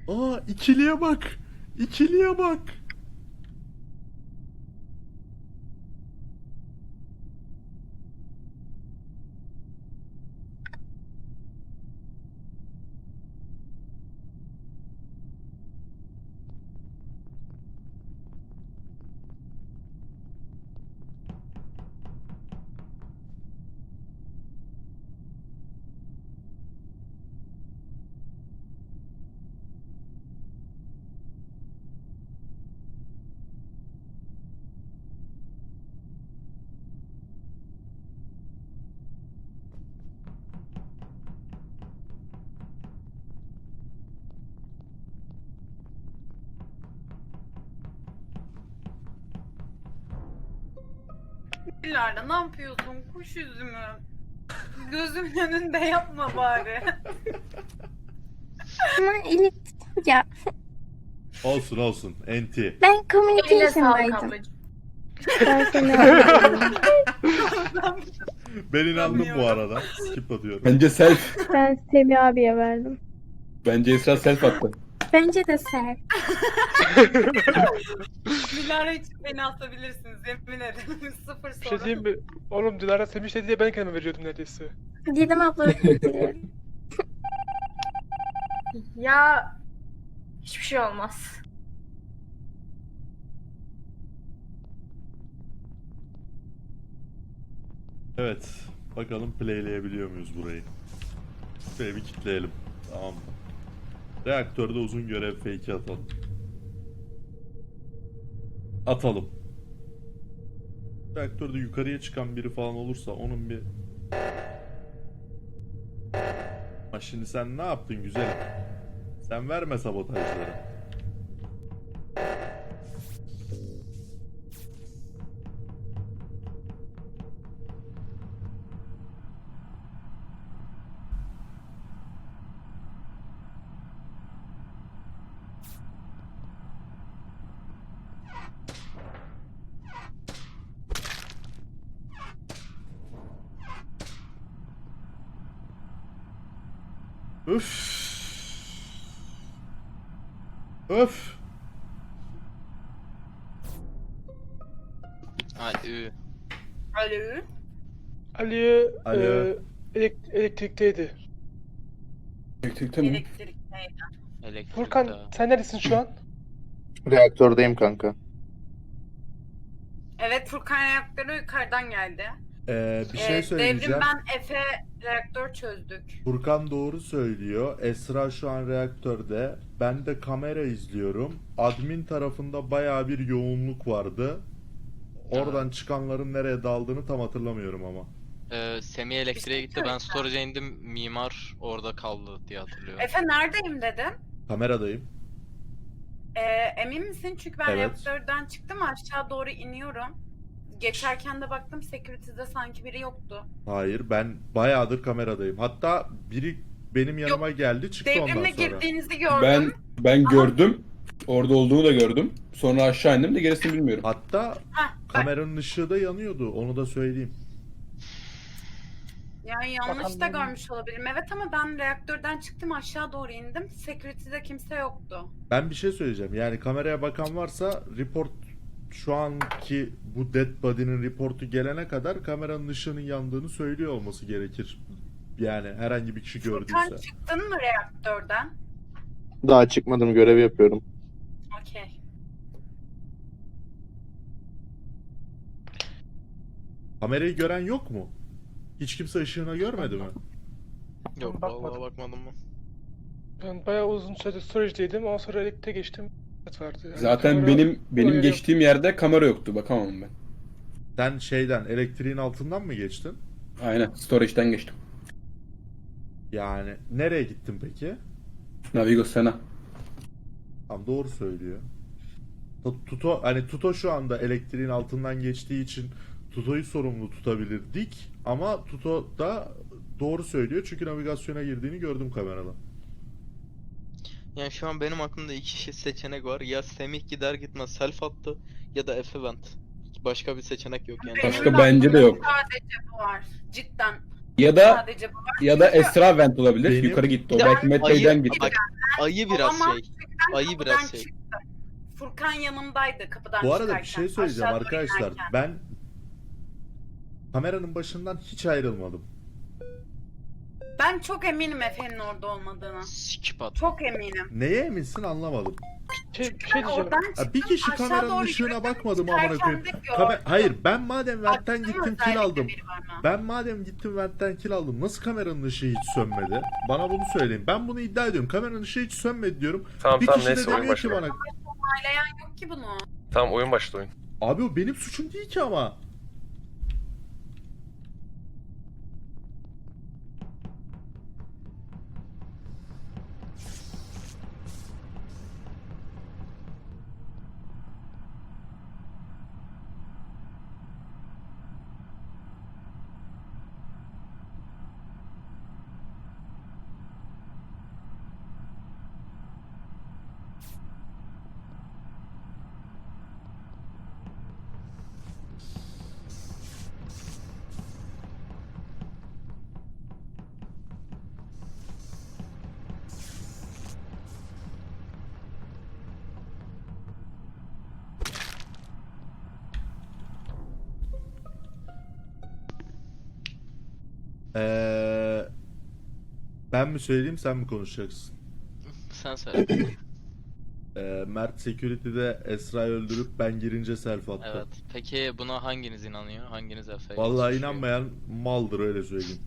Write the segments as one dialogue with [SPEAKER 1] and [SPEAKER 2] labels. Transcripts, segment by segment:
[SPEAKER 1] Aa, ikiliye bak. İkiliye bak.
[SPEAKER 2] Dilara ne yapıyorsun? Kuş üzümü. Gözümün önünde yapma bari.
[SPEAKER 3] Ama elit ya
[SPEAKER 1] Olsun olsun. Enti.
[SPEAKER 3] ben
[SPEAKER 2] Eline sağlık
[SPEAKER 3] communication'daydım.
[SPEAKER 2] ablacığım.
[SPEAKER 3] Ben seni anladım.
[SPEAKER 1] Ben inandım bu
[SPEAKER 2] Anlıyorum.
[SPEAKER 1] arada. Skip atıyorum.
[SPEAKER 4] Bence self.
[SPEAKER 3] Ben Semih abiye verdim.
[SPEAKER 4] Bence Esra self attı.
[SPEAKER 3] Bence de sen.
[SPEAKER 2] Dilara hiç beni asabilirsiniz yemin ederim. Sıfır
[SPEAKER 5] Bir şey
[SPEAKER 2] sorun.
[SPEAKER 5] diyeyim mi? Oğlum Dilara Semih dedi diye ben kendime veriyordum neredeyse.
[SPEAKER 3] Didem abla özür dilerim.
[SPEAKER 6] Ya hiçbir şey olmaz.
[SPEAKER 1] Evet. Bakalım playleyebiliyor muyuz burayı? Şuraya bir kitleyelim. Tamam mı? Reaktörde uzun görev fake'i atalım. Atalım. Reaktörde yukarıya çıkan biri falan olursa onun bir... Ha şimdi sen ne yaptın güzelim? Sen verme sabotajları. Öf. Öf.
[SPEAKER 7] Ay ü.
[SPEAKER 2] Alo.
[SPEAKER 5] Ali
[SPEAKER 1] Alo.
[SPEAKER 5] elektrikteydi.
[SPEAKER 4] Elektrikte mi?
[SPEAKER 2] Elektrikteydi.
[SPEAKER 7] Elektrikte.
[SPEAKER 5] Furkan sen neredesin şu an?
[SPEAKER 8] Reaktördeyim kanka.
[SPEAKER 2] Evet Furkan reaktörü yukarıdan geldi.
[SPEAKER 1] Bir şey söyleyeceğim.
[SPEAKER 2] Devrim ben Efe reaktör çözdük.
[SPEAKER 1] Furkan doğru söylüyor. Esra şu an reaktörde. Ben de kamera izliyorum. Admin tarafında bayağı bir yoğunluk vardı. Oradan çıkanların nereye daldığını tam hatırlamıyorum ama.
[SPEAKER 7] Semih elektriğe gitti. Ben
[SPEAKER 2] söyleyeceğim.
[SPEAKER 7] storage'a indim. Mimar orada kaldı diye hatırlıyorum.
[SPEAKER 2] Efe neredeyim dedin?
[SPEAKER 1] Kameradayım.
[SPEAKER 2] Emin misin? Çünkü ben
[SPEAKER 1] Evet.
[SPEAKER 2] reaktörden çıktım aşağı doğru iniyorum. Geçerken de baktım security'de sanki biri yoktu.
[SPEAKER 1] Hayır, ben bayağıdır kameradayım. Hatta biri benim yanıma geldi, çıktı ondan
[SPEAKER 2] Devrimle
[SPEAKER 1] sonra.
[SPEAKER 2] girdiğinizi gördüm.
[SPEAKER 4] Ben gördüm. Orada olduğunu da gördüm. Sonra aşağı indim de gerisini bilmiyorum.
[SPEAKER 1] Hatta kameranın ışığı da yanıyordu. Onu da söyleyeyim.
[SPEAKER 2] Yani yanlış da
[SPEAKER 5] Bakalım.
[SPEAKER 2] görmüş olabilirim. Evet ama ben reaktörden çıktım aşağı doğru indim. Security'de kimse yoktu.
[SPEAKER 1] Ben bir şey söyleyeceğim. Yani kameraya bakan varsa report şu anki bu dead body'nin reportu gelene kadar kameranın ışığının yandığını söylüyor olması gerekir. Yani herhangi bir kişi gördüyse.
[SPEAKER 2] Furkan çıktın mı reaktörden?
[SPEAKER 8] Daha çıkmadım, görev yapıyorum.
[SPEAKER 2] Okey.
[SPEAKER 1] Kamerayı gören yok mu? Hiç kimse ışığını görmedi mi?
[SPEAKER 7] Yok
[SPEAKER 5] Bakmadım.
[SPEAKER 7] vallahi bakmadım mı?
[SPEAKER 5] Ben bayağı uzun süre storage'deydim. Ondan sonra elektriğe geçtim. Evet vardı. Yani
[SPEAKER 4] Zaten
[SPEAKER 5] kamera-
[SPEAKER 4] benim
[SPEAKER 5] kamera
[SPEAKER 4] geçtiğim yerde kamera yoktu. Bakamam ben.
[SPEAKER 1] Sen şeyden, elektriğin altından mı geçtin?
[SPEAKER 4] Aynen. Storage'den geçtim.
[SPEAKER 1] Yani nereye gittin peki?
[SPEAKER 4] Navigo Sena.
[SPEAKER 1] Tam doğru söylüyor. Tuto hani Tuto şu anda elektriğin altından geçtiği için Tuto'yu sorumlu tutabilirdik ama Tuto da doğru söylüyor çünkü navigasyona girdiğini gördüm kamerada.
[SPEAKER 7] Yani şu an benim aklımda iki seçenek var. Ya Semih gider gitmez self attı ya da Efe vent. Başka bir seçenek yok yani.
[SPEAKER 4] Başka
[SPEAKER 2] Benim
[SPEAKER 4] bence de
[SPEAKER 2] aklımda
[SPEAKER 4] yok.
[SPEAKER 2] Sadece bu var. Cidden
[SPEAKER 4] Ya da
[SPEAKER 2] sadece bu var.
[SPEAKER 4] ya da Esra vent olabilir.
[SPEAKER 1] Benim-
[SPEAKER 4] Yukarı gitti o.
[SPEAKER 7] Bir de
[SPEAKER 4] Belki Medbay'den gitti.
[SPEAKER 7] Bak, ayı biraz
[SPEAKER 2] Olamaz
[SPEAKER 7] şey. ayı
[SPEAKER 2] kapıdan
[SPEAKER 7] biraz şey.
[SPEAKER 2] çıktım. Furkan yanımdaydı kapıdan
[SPEAKER 1] Bu arada
[SPEAKER 2] çıkarken.
[SPEAKER 1] bir şey söyleyeceğim
[SPEAKER 2] aşağı doğru
[SPEAKER 1] arkadaşlar.
[SPEAKER 2] inerken.
[SPEAKER 1] Ben kameranın başından hiç ayrılmadım.
[SPEAKER 2] Ben çok eminim Efe'nin orada olmadığına.
[SPEAKER 7] Skip at.
[SPEAKER 2] Çok eminim.
[SPEAKER 1] Neye eminsin anlamadım.
[SPEAKER 5] Bir şey
[SPEAKER 2] Ben
[SPEAKER 5] diyeceğim.
[SPEAKER 2] oradan
[SPEAKER 1] Ha,
[SPEAKER 2] çıktım.
[SPEAKER 1] bir kişi
[SPEAKER 2] aşağı
[SPEAKER 1] kameranın
[SPEAKER 2] doğru
[SPEAKER 1] ışığına
[SPEAKER 2] yürüdüm,
[SPEAKER 1] bakmadı mı amına
[SPEAKER 2] çıkarken
[SPEAKER 1] koyayım?
[SPEAKER 2] de gördüm.
[SPEAKER 1] Hayır, ben madem ventten
[SPEAKER 2] Baktım,
[SPEAKER 1] gittim kill
[SPEAKER 2] özellikle
[SPEAKER 1] aldım.
[SPEAKER 2] biri bana.
[SPEAKER 1] Ben madem gittim ventten kill aldım. Nasıl kameranın ışığı hiç sönmedi? Bana bunu söyleyin. Ben bunu iddia ediyorum. Kameranın ışığı hiç sönmedi diyorum.
[SPEAKER 9] Tamam
[SPEAKER 1] Bir
[SPEAKER 9] tamam
[SPEAKER 1] kişi de
[SPEAKER 9] neyse oyun
[SPEAKER 1] demiyor ki
[SPEAKER 9] başladı.
[SPEAKER 1] bana.
[SPEAKER 2] Onaylayan yok ki bunu.
[SPEAKER 9] Tamam oyun başladı oyun.
[SPEAKER 1] Abi o benim suçum değil ki ama. Ben mi söyleyeyim sen mi konuşacaksın?
[SPEAKER 7] Sen söyle.
[SPEAKER 1] Mert Security'de Esra'yı öldürüp ben girince self attı.
[SPEAKER 7] Evet. Peki buna hanginiz inanıyor? Hanginiz Efe'ye
[SPEAKER 1] Vallahi
[SPEAKER 7] suçluyor?
[SPEAKER 1] inanmayan maldır öyle söyleyeyim.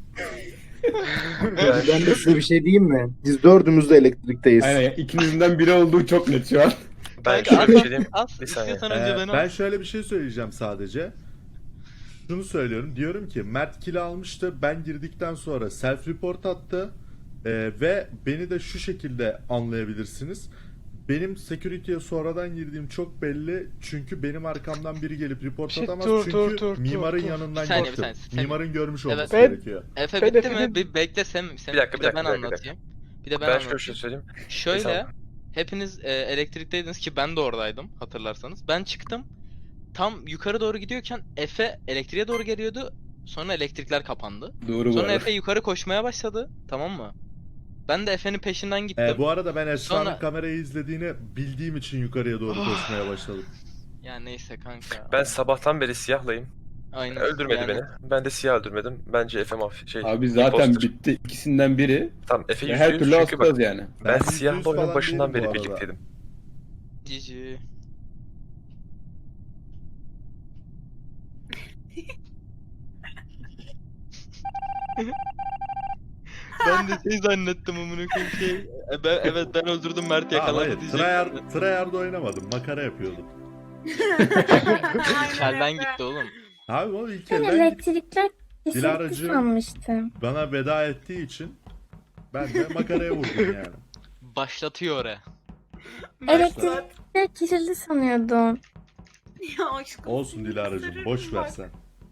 [SPEAKER 8] Ben de size bir şey diyeyim mi? Biz dördümüz de elektrikteyiz.
[SPEAKER 4] Aynen ikinizden biri olduğu çok net şu an.
[SPEAKER 9] Ben
[SPEAKER 7] Kanka,
[SPEAKER 9] şöyle bir şey diyeyim.
[SPEAKER 7] As,
[SPEAKER 9] Bir saniye.
[SPEAKER 7] istiyorsan önce beni
[SPEAKER 1] Ben
[SPEAKER 7] as.
[SPEAKER 1] şöyle bir şey söyleyeceğim sadece. Şunu söylüyorum. Diyorum ki Mert kill almıştı. Ben girdikten sonra self report attı. Ve beni de şu şekilde anlayabilirsiniz. Benim security'ye sonradan girdiğim çok belli. Çünkü benim arkamdan biri gelip report
[SPEAKER 5] Şey,
[SPEAKER 1] atamaz.
[SPEAKER 5] dur,
[SPEAKER 1] çünkü
[SPEAKER 5] dur,
[SPEAKER 1] mimarın
[SPEAKER 5] dur.
[SPEAKER 1] yanından
[SPEAKER 7] Bir saniye,
[SPEAKER 1] gittim.
[SPEAKER 7] bir saniye.
[SPEAKER 1] Mimarın görmüş olması
[SPEAKER 5] Evet.
[SPEAKER 1] gerekiyor.
[SPEAKER 7] Efe
[SPEAKER 5] Ben
[SPEAKER 7] bitti mi?
[SPEAKER 5] Efe'nin-
[SPEAKER 7] Bir bekle sen
[SPEAKER 9] Bir dakika,
[SPEAKER 7] bir de
[SPEAKER 9] bir
[SPEAKER 7] ben
[SPEAKER 9] dakika, bir dakika.
[SPEAKER 7] anlatayım. Bir de ben
[SPEAKER 9] Ben şöyle bir
[SPEAKER 7] anlatayım.
[SPEAKER 9] şey söyleyeyim.
[SPEAKER 7] Şöyle,
[SPEAKER 9] Tamam.
[SPEAKER 7] hepiniz elektrikteydiniz ki ben de oradaydım hatırlarsanız. Ben çıktım. Tam yukarı doğru gidiyorken Efe elektriğe doğru geliyordu. Sonra elektrikler kapandı.
[SPEAKER 4] Doğru bu
[SPEAKER 7] Sonra
[SPEAKER 4] arada.
[SPEAKER 7] Efe yukarı koşmaya başladı. Tamam mı? Ben de Efe'nin peşinden gittim.
[SPEAKER 1] Bu arada ben Esra'nın
[SPEAKER 7] Sonra-
[SPEAKER 1] kamerayı izlediğini bildiğim için yukarıya doğru koşmaya başladım.
[SPEAKER 7] Ya neyse kanka.
[SPEAKER 9] Ben sabahtan beri siyahlayım.
[SPEAKER 7] Aynen.
[SPEAKER 9] Öldürmedi
[SPEAKER 7] Yani
[SPEAKER 9] beni. Ben de siyah öldürmedim. Bence Efe
[SPEAKER 4] Abi zaten
[SPEAKER 9] imposter.
[SPEAKER 4] bitti. İkisinden biri.
[SPEAKER 9] Tamam Efe
[SPEAKER 4] Ve
[SPEAKER 9] yüzde
[SPEAKER 4] her
[SPEAKER 9] yüz
[SPEAKER 4] türlü
[SPEAKER 9] çünkü bak
[SPEAKER 4] asacağız yani.
[SPEAKER 9] ben
[SPEAKER 1] Ben %100
[SPEAKER 9] siyahla oyunun
[SPEAKER 1] falan
[SPEAKER 9] başından
[SPEAKER 1] değilim bu
[SPEAKER 9] beri
[SPEAKER 1] arada.
[SPEAKER 9] birlikteydim.
[SPEAKER 7] GG. Ben de şey zannettim amına koyayım şey. Evet ben öldürdüm Mert
[SPEAKER 1] Tamam,
[SPEAKER 7] yakaladı
[SPEAKER 1] hayır.
[SPEAKER 7] diyecektim.
[SPEAKER 1] Tryhard oynamadım. Makara yapıyordum.
[SPEAKER 7] Kelden gitti oğlum.
[SPEAKER 1] Abi o ilk
[SPEAKER 3] Ben
[SPEAKER 1] elden gitti.
[SPEAKER 3] elektrikler kesildi
[SPEAKER 1] Dilaracığım.
[SPEAKER 3] sanmıştım.
[SPEAKER 1] Bana veda ettiği için ben de makaraya vurdum yani.
[SPEAKER 7] Başlatıyor oraya.
[SPEAKER 3] Elektrikler kesildi sanıyordum.
[SPEAKER 2] Ya aşkım.
[SPEAKER 1] Olsun Dilara'cığım, boş ver sen.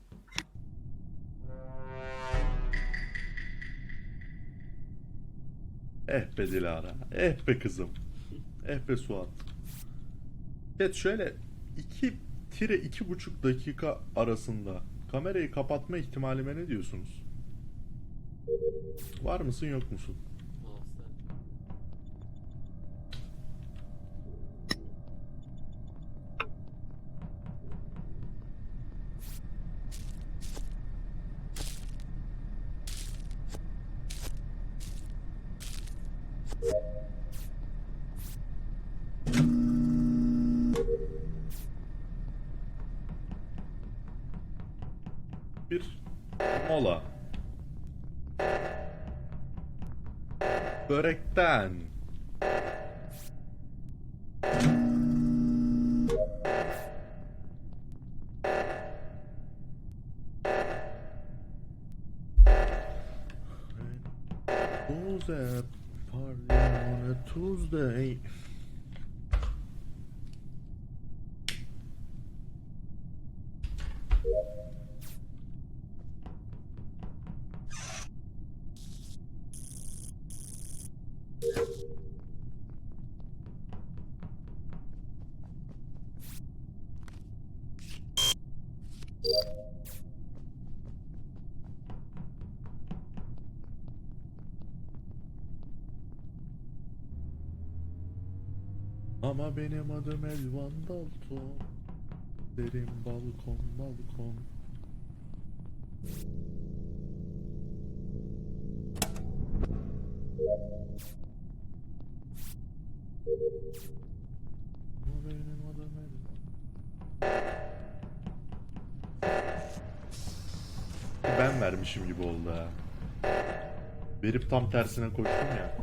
[SPEAKER 1] Eh be Dilara, eh be kızım, eh be Suat. Evet şöyle 2-2,5 dakika arasında kamerayı kapatma ihtimalime ne diyorsunuz? Var mısın yok musun? Bir mola. Börekten. Was a party on a Tuesday. Ama benim adım Elvan Dalton. Derin balkon balkon. Ama benim adım Elvan. Ben vermişim gibi oldu ha. Verip tam tersine koştum ya.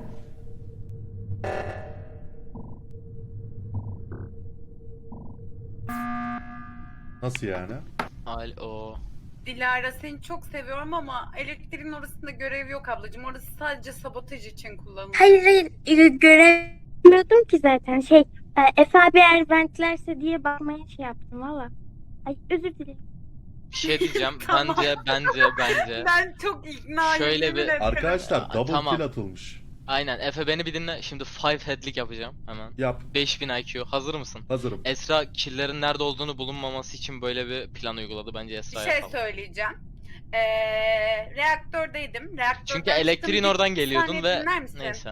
[SPEAKER 1] Nasıl yani?
[SPEAKER 7] Alo.
[SPEAKER 2] Dilara seni çok seviyorum ama elektriğin orasında görev yok ablacığım. Orası sadece sabotaj için kullanılıyor.
[SPEAKER 3] Hayır göremiyordum ki zaten. Efe abi eğer ventlerse diye bakmaya şey yaptım valla. Ay özür dilerim.
[SPEAKER 7] Bir şey diyeceğim.
[SPEAKER 2] Tamam.
[SPEAKER 7] Bence.
[SPEAKER 2] Ben çok ikna
[SPEAKER 7] Şöyle
[SPEAKER 2] yemin
[SPEAKER 7] bir-
[SPEAKER 2] ederim.
[SPEAKER 1] Arkadaşlar double
[SPEAKER 7] Tamam.
[SPEAKER 1] kill atılmış.
[SPEAKER 7] Aynen. Efe beni bir dinle. Şimdi 5 head'lik yapacağım hemen.
[SPEAKER 1] Yap.
[SPEAKER 7] 5000 IQ. Hazır mısın?
[SPEAKER 1] Hazırım.
[SPEAKER 7] Esra killerin nerede olduğunu bulunmaması için böyle bir plan uyguladı. Bence
[SPEAKER 2] Bir
[SPEAKER 7] Esra
[SPEAKER 2] şey
[SPEAKER 7] yapalım.
[SPEAKER 2] söyleyeceğim. Reaktördeydim. Reaktörden
[SPEAKER 7] Çünkü elektriğin
[SPEAKER 2] çıktım.
[SPEAKER 7] oradan
[SPEAKER 2] Bir
[SPEAKER 7] geliyordun
[SPEAKER 2] saniye
[SPEAKER 7] ve
[SPEAKER 2] dinler misin?
[SPEAKER 7] neyse.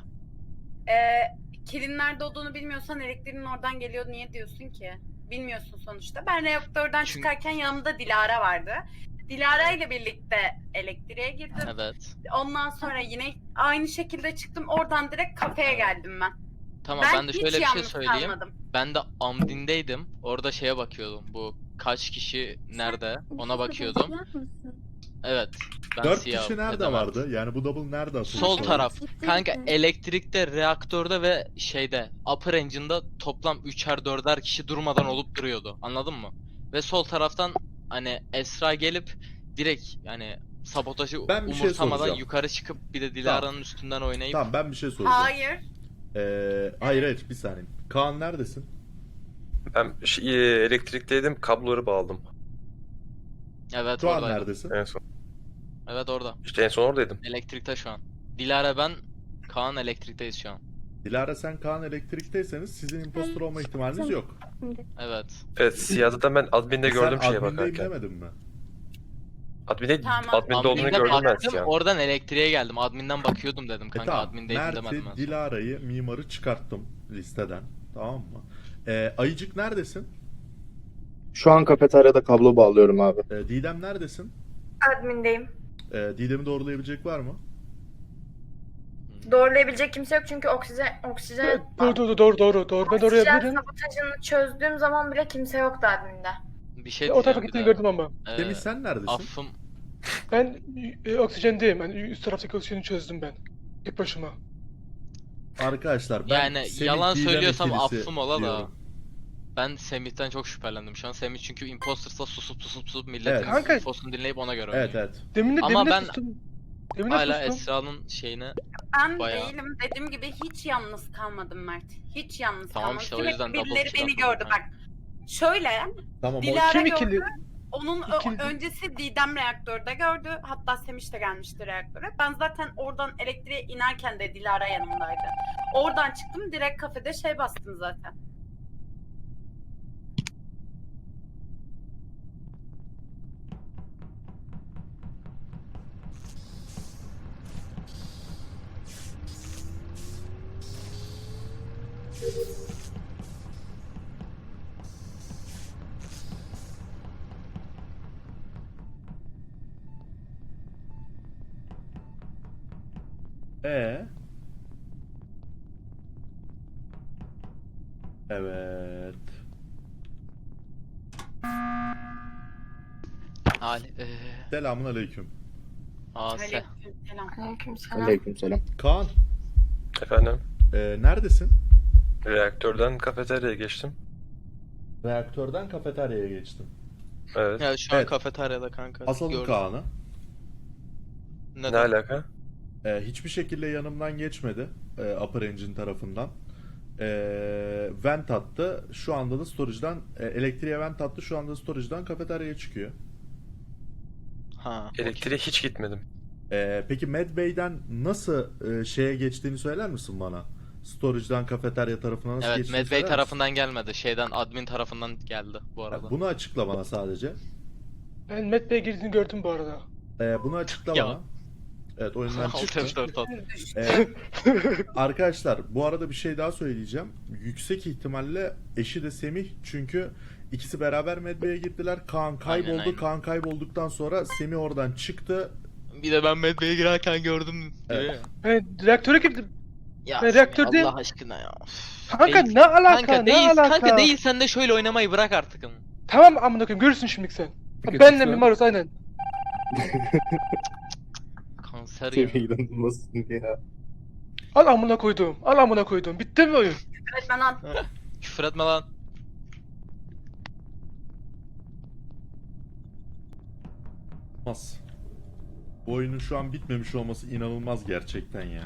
[SPEAKER 2] Kilin nerede olduğunu bilmiyorsan elektriğin oradan geliyor. Niye diyorsun ki? Bilmiyorsun sonuçta. Ben reaktörden
[SPEAKER 7] Çünkü-
[SPEAKER 2] çıkarken yanımda Dilara vardı. Dilara ile birlikte elektriğe girdim.
[SPEAKER 7] Evet.
[SPEAKER 2] Ondan sonra yine aynı şekilde çıktım. Oradan direkt kafeye geldim ben.
[SPEAKER 7] Tamam ben de
[SPEAKER 2] hiç
[SPEAKER 7] şöyle bir şey
[SPEAKER 2] yalnız
[SPEAKER 7] söyleyeyim.
[SPEAKER 2] kalmadım.
[SPEAKER 7] Ben de Amdin'deydim. Orada şeye bakıyordum. Bu kaç kişi nerede? Ona bakıyordum.
[SPEAKER 3] Siyah mısın?
[SPEAKER 7] Evet. Ben
[SPEAKER 1] 4
[SPEAKER 7] siyahım.
[SPEAKER 1] kişi nerede
[SPEAKER 7] Edemem.
[SPEAKER 1] vardı? Yani bu double nerede atılmış?
[SPEAKER 7] Sol
[SPEAKER 1] oldu?
[SPEAKER 7] taraf.
[SPEAKER 3] Ciddi
[SPEAKER 7] Kanka
[SPEAKER 3] misin?
[SPEAKER 7] elektrikte, reaktörde ve şeyde upper engine'da toplam 3'er 4'er kişi durmadan olup duruyordu. Anladın mı? Ve sol taraftan hani Esra gelip direkt yani sabotajı
[SPEAKER 1] Ben bir şey
[SPEAKER 7] umursamadan
[SPEAKER 1] soracağım.
[SPEAKER 7] yukarı çıkıp bir de Dilara'nın üstünden oynayıp
[SPEAKER 1] Tamam ben bir şey soracağım.
[SPEAKER 2] Hayır.
[SPEAKER 1] Hayır bir saniye. Kaan neredesin?
[SPEAKER 9] Ben elektrikteydim, kabloları bağladım
[SPEAKER 7] evet
[SPEAKER 1] Şu an
[SPEAKER 7] oradaydım.
[SPEAKER 1] neredesin?
[SPEAKER 9] en son.
[SPEAKER 7] Evet orada.
[SPEAKER 9] İşte en son oradaydım.
[SPEAKER 7] Elektrikte şu an. Dilara ben Kaan elektrikteyiz şu an.
[SPEAKER 1] Dilara sen Kaan elektrikteyseniz sizin impostor olma ihtimaliniz yok.
[SPEAKER 3] Şimdi.
[SPEAKER 7] Evet.
[SPEAKER 9] Evet, siyahda da ben adminde gördüm
[SPEAKER 1] Sen
[SPEAKER 9] şeye
[SPEAKER 1] admindeyim
[SPEAKER 9] bakarken.
[SPEAKER 1] demedin mi?
[SPEAKER 2] Tamam.
[SPEAKER 9] Adminde olduğunu
[SPEAKER 7] Admin'de
[SPEAKER 9] gördüm ben
[SPEAKER 7] baktım,
[SPEAKER 9] siyahın.
[SPEAKER 7] oradan elektriğe geldim. Admin'den bakıyordum dedim kanka.
[SPEAKER 1] Tamam.
[SPEAKER 7] Admin'deydim demedim
[SPEAKER 1] Mert'i,
[SPEAKER 7] ben.
[SPEAKER 1] Dilara'yı, Mimar'ı çıkarttım listeden. Tamam mı? Ayıcık neredesin?
[SPEAKER 8] Şu an kafeteryada kablo bağlıyorum abi.
[SPEAKER 1] Didem neredesin?
[SPEAKER 6] Admindeyim.
[SPEAKER 1] Didem'i doğrulayabilecek var mı?
[SPEAKER 6] Doğrulayabilecek kimse yok çünkü oksijen
[SPEAKER 5] Doğru. Ben oraya
[SPEAKER 6] oksijen
[SPEAKER 5] bilirim.
[SPEAKER 6] sabotajını çözdüğüm zaman bile kimse yoktu adminde.
[SPEAKER 7] Bir şey
[SPEAKER 5] O tarafa
[SPEAKER 7] diyeceğim bir
[SPEAKER 5] gittiğini
[SPEAKER 7] de.
[SPEAKER 5] gördüm ama.
[SPEAKER 1] Semih sen neredesin?
[SPEAKER 7] Affım.
[SPEAKER 5] Ben oksijendeyim. Yani üst taraftaki oksijeni çözdüm ben. Tek başıma.
[SPEAKER 1] Arkadaşlar ben
[SPEAKER 7] Yani
[SPEAKER 1] Semih,
[SPEAKER 7] yalan
[SPEAKER 1] Didem
[SPEAKER 7] söylüyorsam
[SPEAKER 1] ikilisi
[SPEAKER 7] affım ola da.
[SPEAKER 1] diyorum.
[SPEAKER 7] Ben Semih'ten çok şüphelendim şu an. Semih çünkü imposter'sa susup milletin
[SPEAKER 1] Evet.
[SPEAKER 5] Kanka-
[SPEAKER 7] infosunu dinleyip ona göre
[SPEAKER 1] Evet
[SPEAKER 7] oynuyor.
[SPEAKER 1] evet.
[SPEAKER 5] Demin
[SPEAKER 7] Ama
[SPEAKER 5] de
[SPEAKER 7] ben
[SPEAKER 5] sustum. Demin de
[SPEAKER 7] Hala
[SPEAKER 5] sustum.
[SPEAKER 7] Esra'nın şeyine
[SPEAKER 2] Ben
[SPEAKER 7] Bayağı.
[SPEAKER 2] değilim. Dediğim gibi hiç yalnız kalmadım Mert. Hiç yalnız
[SPEAKER 7] Tamam
[SPEAKER 2] kalmadım.
[SPEAKER 7] işte o
[SPEAKER 2] Sürekli
[SPEAKER 7] yüzden double
[SPEAKER 2] birileri
[SPEAKER 7] kill
[SPEAKER 2] beni
[SPEAKER 7] atıldı
[SPEAKER 2] gördü
[SPEAKER 7] kanka.
[SPEAKER 2] bak. Şöyle
[SPEAKER 1] Tamam o
[SPEAKER 2] Dilara
[SPEAKER 5] Kim
[SPEAKER 2] gördü.
[SPEAKER 5] ikili?
[SPEAKER 2] Onun
[SPEAKER 5] İkili-
[SPEAKER 2] öncesi Didem reaktörde gördü. Hatta Semih de gelmişti reaktöre. Ben zaten oradan elektriğe inerken de Dilara yanımdaydı. Oradan çıktım direkt kafede şey bastım zaten.
[SPEAKER 1] Evet.
[SPEAKER 7] Ali
[SPEAKER 1] Selamun aleyküm.
[SPEAKER 7] Ase.
[SPEAKER 2] Selam.
[SPEAKER 6] Aleykümselam.
[SPEAKER 8] Aleykümselam.
[SPEAKER 1] Kaan
[SPEAKER 9] Efendim,
[SPEAKER 1] neredesin?
[SPEAKER 9] reaktörden kafeteryaya geçtim.
[SPEAKER 1] Reaktörden kafeteryaya geçtim.
[SPEAKER 9] Evet.
[SPEAKER 7] Ya şu an
[SPEAKER 1] Evet.
[SPEAKER 7] kafeteryada kanka.
[SPEAKER 1] Asalım
[SPEAKER 7] Gördüm.
[SPEAKER 1] Kaan'ı.
[SPEAKER 9] Ne
[SPEAKER 7] Neden?
[SPEAKER 9] alaka?
[SPEAKER 1] Hiçbir şekilde yanımdan geçmedi. Upper Engine tarafından. Vent attı. Şu anda da storage'dan elektriğe vent attı. Şu anda storage'dan kafeteryaya çıkıyor.
[SPEAKER 7] Ha. okey.
[SPEAKER 9] Elektriğe hiç gitmedim.
[SPEAKER 1] Peki Medbay'den nasıl şeye geçtiğini söyler misin bana? Storage'dan kafeterya tarafına nasıl
[SPEAKER 7] Evet,
[SPEAKER 1] geçtiğini
[SPEAKER 7] Medbay
[SPEAKER 1] söyler misin?
[SPEAKER 7] tarafından gelmedi. Şeyden admin tarafından geldi bu arada.
[SPEAKER 1] Bunu açıkla bana sadece.
[SPEAKER 5] Ben Met Bey'e girdiğini gördüm bu arada.
[SPEAKER 1] Bunu açıkla
[SPEAKER 7] Ya.
[SPEAKER 1] bana. Evet, oyundan çıktı.
[SPEAKER 7] 6 F4 at.
[SPEAKER 1] Arkadaşlar bu arada bir şey daha söyleyeceğim. Yüksek ihtimalle eşi de Semih, çünkü ikisi beraber medbeye gittiler. Kaan kayboldu.
[SPEAKER 7] Aynen.
[SPEAKER 1] Kaan kaybolduktan sonra Semih oradan çıktı.
[SPEAKER 7] Bir de ben medbeye girerken gördüm.
[SPEAKER 1] Evet.
[SPEAKER 7] diyor ya.
[SPEAKER 5] Ben reaktöre girdim.
[SPEAKER 7] Ya
[SPEAKER 5] Ben reaktörde-
[SPEAKER 7] Allah aşkına ya.
[SPEAKER 5] Kanka
[SPEAKER 7] Değil.
[SPEAKER 5] ne alaka?
[SPEAKER 7] Kanka
[SPEAKER 5] ne
[SPEAKER 7] değil,
[SPEAKER 5] alaka?
[SPEAKER 7] kanka değil, sen de şöyle oynamayı bırak artık.
[SPEAKER 5] Tamam amına koyayım görürsün şimdi sen.
[SPEAKER 4] Peki,
[SPEAKER 5] Benle
[SPEAKER 4] Tufan?
[SPEAKER 5] Mimarus aynen.
[SPEAKER 7] Kanser ya.
[SPEAKER 8] Semih inanılmazsın ya.
[SPEAKER 5] Al amına koydum. Al amına koydum. Bitti mi oyun?
[SPEAKER 2] Evet ben at.
[SPEAKER 7] Küfür etme lan.
[SPEAKER 1] Olmaz. Bu oyunun şu an bitmemiş olması inanılmaz gerçekten ya.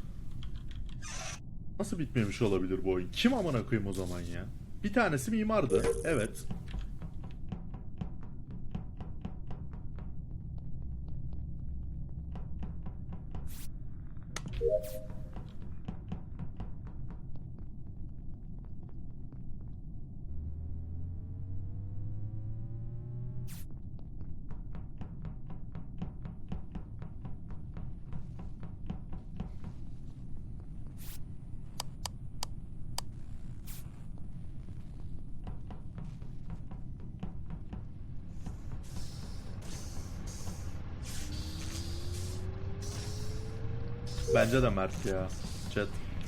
[SPEAKER 1] Nasıl bitmemiş olabilir bu oyun? Kim amına koyayım o zaman ya? Bir tanesi mimardı. Evet. Bence de Mert ya. Chat.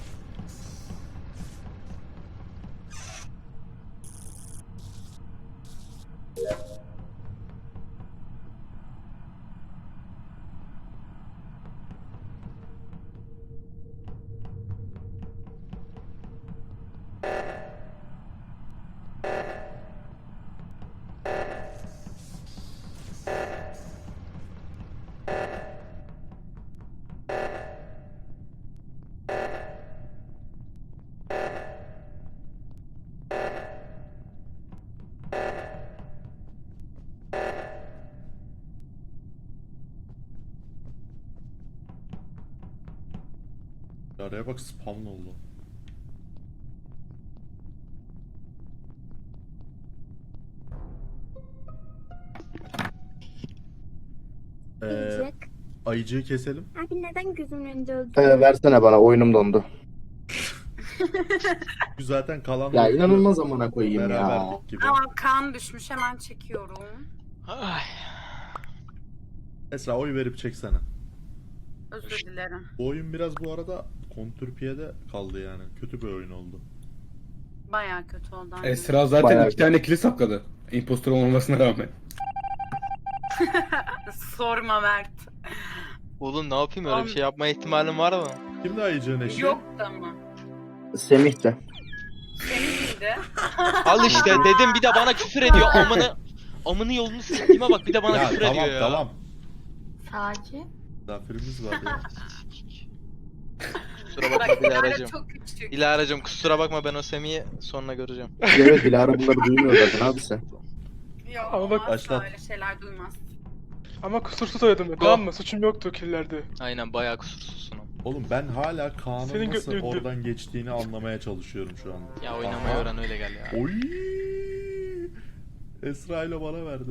[SPEAKER 1] Araya bak, spawn oldu.
[SPEAKER 3] Ayıcık.
[SPEAKER 1] Ayıcığı keselim.
[SPEAKER 3] Abi neden gözümün önünde öldü?
[SPEAKER 8] Versene bana, oyunum dondu.
[SPEAKER 1] Biz zaten kalan
[SPEAKER 8] Ya
[SPEAKER 1] oyunu
[SPEAKER 8] inanılmaz amına koyayım ya.
[SPEAKER 1] beraberdik gibi.
[SPEAKER 2] Aa kan düşmüş, hemen çekiyorum.
[SPEAKER 7] Ay.
[SPEAKER 1] Esra oy verip çeksene.
[SPEAKER 2] Özür dilerim.
[SPEAKER 1] Bu oyun biraz bu arada kontürpiyede kaldı yani. Kötü bir oyun oldu.
[SPEAKER 2] Bayağı kötü oldu. aynen.
[SPEAKER 4] Esra zaten
[SPEAKER 8] Bayağı
[SPEAKER 4] 2 tane kilit sakladı. Impostor olmamasına rağmen.
[SPEAKER 2] Sorma Mert.
[SPEAKER 7] Oğlum ne yapayım, öyle bir şey yapma ihtimalim var mı?
[SPEAKER 1] Kimdi ayıcığın eşi?
[SPEAKER 2] Yoktu ama.
[SPEAKER 8] Semih de.
[SPEAKER 2] Senin miydi?
[SPEAKER 7] Al işte dedim, bir de bana küfür ediyor. Amını yolunu siktiğime bak, bir de bana
[SPEAKER 1] Ya
[SPEAKER 7] küfür
[SPEAKER 1] tamam
[SPEAKER 7] ediyor ya.
[SPEAKER 1] tamam.
[SPEAKER 6] Sakin.
[SPEAKER 1] Misafirimiz var ya.
[SPEAKER 7] Kusura
[SPEAKER 2] Bak
[SPEAKER 7] bakma
[SPEAKER 2] Dilara
[SPEAKER 7] Dilara'cığım.
[SPEAKER 2] çok küçük.
[SPEAKER 7] Dilara'cığım kusura bakma, ben o Semih'i sonra göreceğim.
[SPEAKER 8] Evet, Dilara bunları duymuyor zaten abi sen.
[SPEAKER 2] Yok
[SPEAKER 5] Ama bak-
[SPEAKER 2] asla
[SPEAKER 1] Başlat.
[SPEAKER 2] öyle şeyler duymaz.
[SPEAKER 5] Ama kusursuz oynadım ben.
[SPEAKER 7] Go.
[SPEAKER 5] Tamam mı? Suçum yoktu killerde.
[SPEAKER 7] Aynen bayağı kusursuzsun ama.
[SPEAKER 1] Oğlum ben hala Kaan'ın
[SPEAKER 5] Senin
[SPEAKER 1] nasıl
[SPEAKER 5] götünü-
[SPEAKER 1] oradan geçtiğini anlamaya çalışıyorum şu an.
[SPEAKER 7] Ya oynamayı
[SPEAKER 1] Aha.
[SPEAKER 7] öğren, öyle gel ya.
[SPEAKER 1] Oy! Esra ile bana verdi.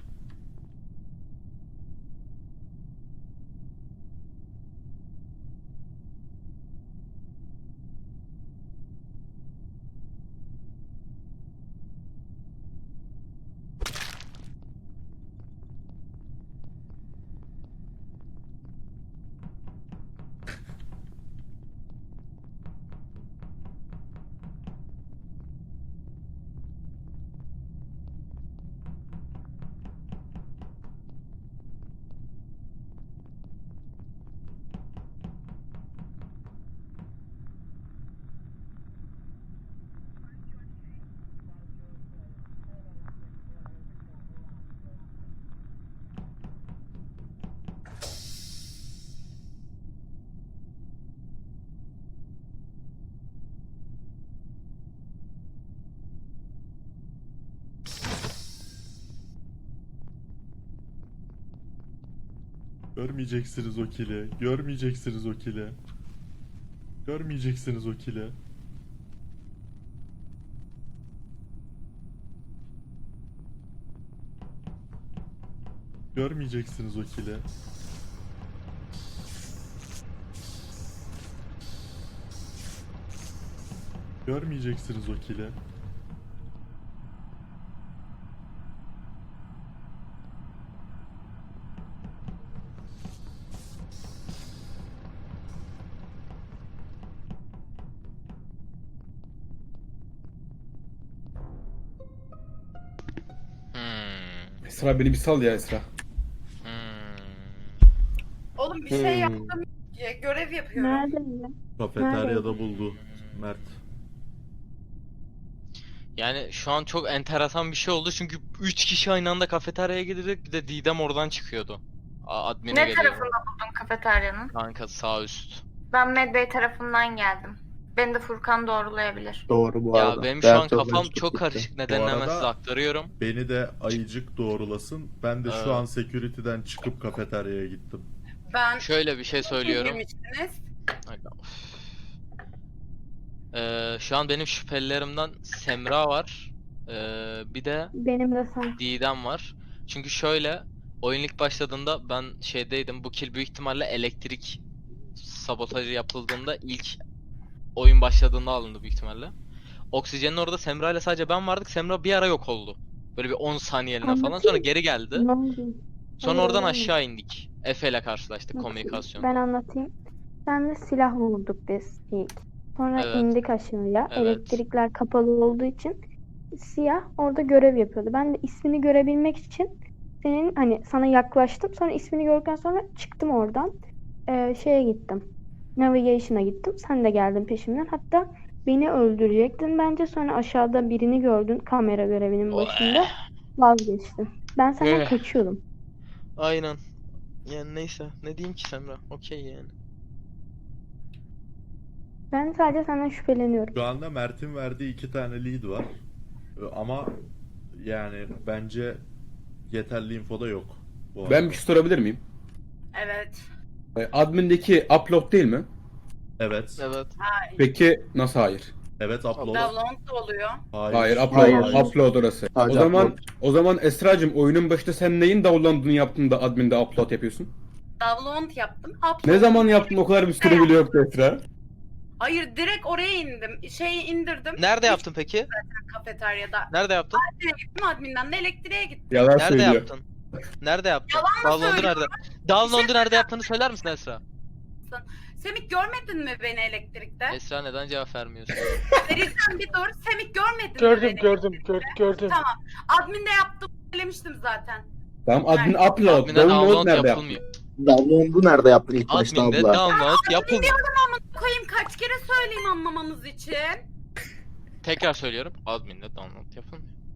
[SPEAKER 1] Görmeyeceksiniz o kili. Görmeyeceksiniz o kili. Görmeyeceksiniz o kili. Görmeyeceksiniz o kili. Görmeyeceksiniz o kili.
[SPEAKER 4] Esra beni bir sal ya Esra.
[SPEAKER 2] Oğlum bir şey yaptım. Görev yapıyorum.
[SPEAKER 3] Nerede?
[SPEAKER 1] Kafeteryada buldu Mert.
[SPEAKER 7] Yani şu an çok enteresan bir şey oldu çünkü 3 kişi aynı anda kafeteryaya gidecek, bir de Didem oradan çıkıyordu. Admin'e
[SPEAKER 6] Ne
[SPEAKER 7] geliyor.
[SPEAKER 6] tarafında buldun kafeteryanın?
[SPEAKER 7] Kanka sağ üst.
[SPEAKER 6] Ben Medbay tarafından geldim. Beni de Furkan doğrulayabilir.
[SPEAKER 8] Doğru bu
[SPEAKER 7] Ya
[SPEAKER 8] arada.
[SPEAKER 7] benim şu
[SPEAKER 8] Diğer
[SPEAKER 7] an
[SPEAKER 8] türlü
[SPEAKER 7] kafam
[SPEAKER 8] üstlük
[SPEAKER 7] çok
[SPEAKER 8] gitti.
[SPEAKER 7] karışık. Nedenini hemen
[SPEAKER 1] arada-
[SPEAKER 7] size aktarıyorum.
[SPEAKER 1] Beni de ayıcık doğrulasın. Ben de
[SPEAKER 7] Evet.
[SPEAKER 1] şu an security'den çıkıp kafeteryaya gittim.
[SPEAKER 2] Ben
[SPEAKER 7] Şöyle bir şey söylüyorum.
[SPEAKER 2] girmiştiniz.
[SPEAKER 7] Aga, of. Şu an benim şüphelilerimden Semra var. Bir de
[SPEAKER 3] Benim de sen.
[SPEAKER 7] Didem var. Çünkü şöyle, oyun ilk başladığında ben şeydeydim. Bu kill büyük ihtimalle elektrik sabotajı yapıldığında ilk oyun başladığında alındı büyük ihtimalle. Oksijenin orada Semra ile sadece ben vardık. Semra bir ara yok oldu. Böyle bir 10 saniyeliğine falan.
[SPEAKER 3] Anlatayım.
[SPEAKER 7] Sonra geri geldi.
[SPEAKER 3] Ne oldu?
[SPEAKER 7] Sonra
[SPEAKER 3] Hayır,
[SPEAKER 7] oradan
[SPEAKER 3] öyle mi?
[SPEAKER 7] aşağı indik. Efe ile karşılaştık
[SPEAKER 3] Nasıl?
[SPEAKER 7] komünikasyon.
[SPEAKER 3] Ben anlatayım. Sen de silah bulduk biz ilk. Sonra
[SPEAKER 7] Evet.
[SPEAKER 3] indik aşağıya.
[SPEAKER 7] Evet.
[SPEAKER 3] Elektrikler kapalı olduğu için siyah orada görev yapıyordu. Ben de ismini görebilmek için senin hani sana yaklaştım. Sonra ismini gördükten sonra çıktım oradan. Şeye gittim. Navigation'a gittim. Sen de geldin peşimden. Hatta beni öldürecektin bence. Sonra aşağıda birini gördün kamera görevinin başında. Vazgeçtin. Ben senden
[SPEAKER 7] Eh.
[SPEAKER 3] kaçıyordum.
[SPEAKER 7] Aynen. Yani neyse. Ne diyeyim ki Semra? Okey yani.
[SPEAKER 3] Ben sadece senden şüpheleniyorum.
[SPEAKER 1] Şu anda Mert'in verdiği 2 tane lead var. Ama yani bence yeterli info da yok. Bu
[SPEAKER 4] Ben
[SPEAKER 1] arada.
[SPEAKER 4] bir şey sorabilir miyim?
[SPEAKER 2] Evet.
[SPEAKER 4] Admin'deki upload değil mi?
[SPEAKER 1] Evet.
[SPEAKER 7] Evet.
[SPEAKER 4] Peki nasıl hayır?
[SPEAKER 1] Evet upload.
[SPEAKER 2] Download da oluyor.
[SPEAKER 4] Hayır,
[SPEAKER 8] Hayır.
[SPEAKER 4] upload orası.
[SPEAKER 8] Sadece
[SPEAKER 4] O zaman Esracığım oyunun başında sen neyin download'unu yaptın da admin'de upload yapıyorsun?
[SPEAKER 2] Download yaptım. Upload.
[SPEAKER 4] Ne zaman yaptın o kadar bir süre bile yoktu Esra.
[SPEAKER 2] Hayır, direkt oraya indim. Şeyi indirdim.
[SPEAKER 7] Nerede yaptın peki?
[SPEAKER 2] Kafeteryada.
[SPEAKER 7] Nerede yaptın?
[SPEAKER 2] Admin'e gittim, adminden de elektriğe gittim.
[SPEAKER 4] Yalan
[SPEAKER 7] Nerede
[SPEAKER 4] söylüyor.
[SPEAKER 7] yaptın? Nerede yaptın?
[SPEAKER 2] Yalan mı
[SPEAKER 7] Download'u
[SPEAKER 2] söylüyorum?
[SPEAKER 7] nerede? Download'u nerede yaptığını söyler misin Esra?
[SPEAKER 2] Semih, görmedin mi beni elektrikte?
[SPEAKER 7] Esra neden cevap vermiyorsun?
[SPEAKER 2] Verirsen bir dur. Semih, görmedin mi
[SPEAKER 5] Gördüm
[SPEAKER 2] beni?
[SPEAKER 5] gördüm.
[SPEAKER 2] Tamam. Adminde yaptım. Söylemiştim zaten.
[SPEAKER 4] Tamam admin upload.
[SPEAKER 7] Admin'e
[SPEAKER 4] Download
[SPEAKER 7] download
[SPEAKER 4] nerede yaptın?
[SPEAKER 7] yapılmıyor.
[SPEAKER 8] Download'u nerede yaptın ilk başta
[SPEAKER 7] Admin'de
[SPEAKER 8] abla?
[SPEAKER 7] download yapılmıyor.
[SPEAKER 2] Koyayım, kaç kere söyleyeyim anlamanız için.
[SPEAKER 7] Tekrar söylüyorum. Admin'de download yapılmıyor.